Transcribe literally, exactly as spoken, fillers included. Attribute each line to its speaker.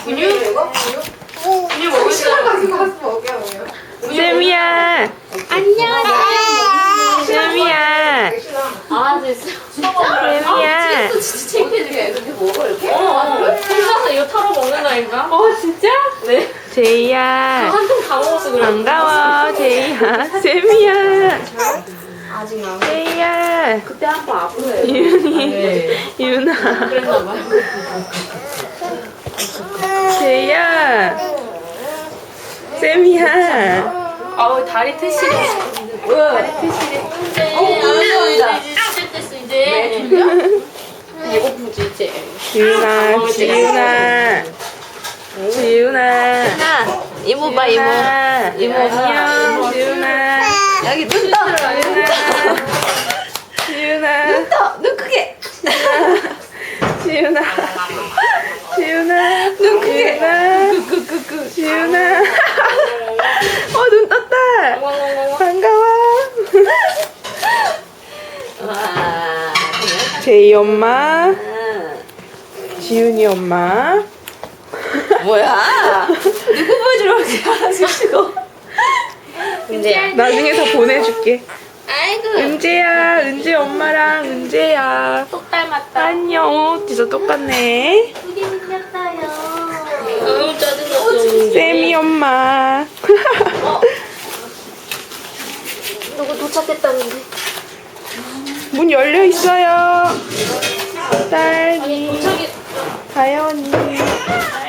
Speaker 1: 분유? 분유 먹을 사람 가지고 가서 먹여요.
Speaker 2: 쌤이야.
Speaker 3: 안녕.
Speaker 2: 쌤이야.
Speaker 3: 아 됐어.
Speaker 2: 쌤이야.
Speaker 3: 진짜 창피해지게 이렇게 먹어 이렇게.
Speaker 1: 어,
Speaker 3: 혼자서 이거 털어 먹는다니까.
Speaker 1: 어, 진짜?
Speaker 3: 네.
Speaker 2: 제이야.
Speaker 3: 한통 다 먹었어 그래.
Speaker 2: 반가워. 제이야. 쌤이야.
Speaker 3: 아직 안.
Speaker 2: 제이야.
Speaker 3: 그때 한 번 아프네.
Speaker 2: 윤이. 윤아.
Speaker 3: 그랬나 봐.
Speaker 2: 제이야. 쌤이야.
Speaker 3: 아우 다리 트시래. 다리 트시래. 어, 이제 이제 됐어 이제. 배고프지 이제.
Speaker 2: 지윤아. 지윤아. 지윤아.
Speaker 3: 이모 봐 이모.
Speaker 2: 이모 안녕. 지윤아.
Speaker 3: 여기 눈 떠.
Speaker 2: 지윤아.
Speaker 3: 눈 떠. 눈 크게.
Speaker 2: 지윤아. 지윤아.
Speaker 3: 눈 크게.
Speaker 2: 지윤아. 지윤아. 어, 눈 떴다. 반가워.
Speaker 3: 와.
Speaker 2: 제이 엄마. 지윤이 엄마.
Speaker 3: 뭐야? 누구 보여주러 그렇게 하나씩 치고. 은재야.
Speaker 2: 나중에 다 보내줄게.
Speaker 3: 아이고.
Speaker 2: 은재야. 은재 엄마랑 은재야.
Speaker 3: 똑 닮았다.
Speaker 2: 안녕. 어, 진짜 똑같네.
Speaker 3: 크게 생겼다요. 아유 짜증났어.
Speaker 2: 쌤이 엄마.
Speaker 3: 누구 도착했다는데.
Speaker 2: 문 열려 있어요. 딸기.
Speaker 3: 도착이.
Speaker 2: 다현이.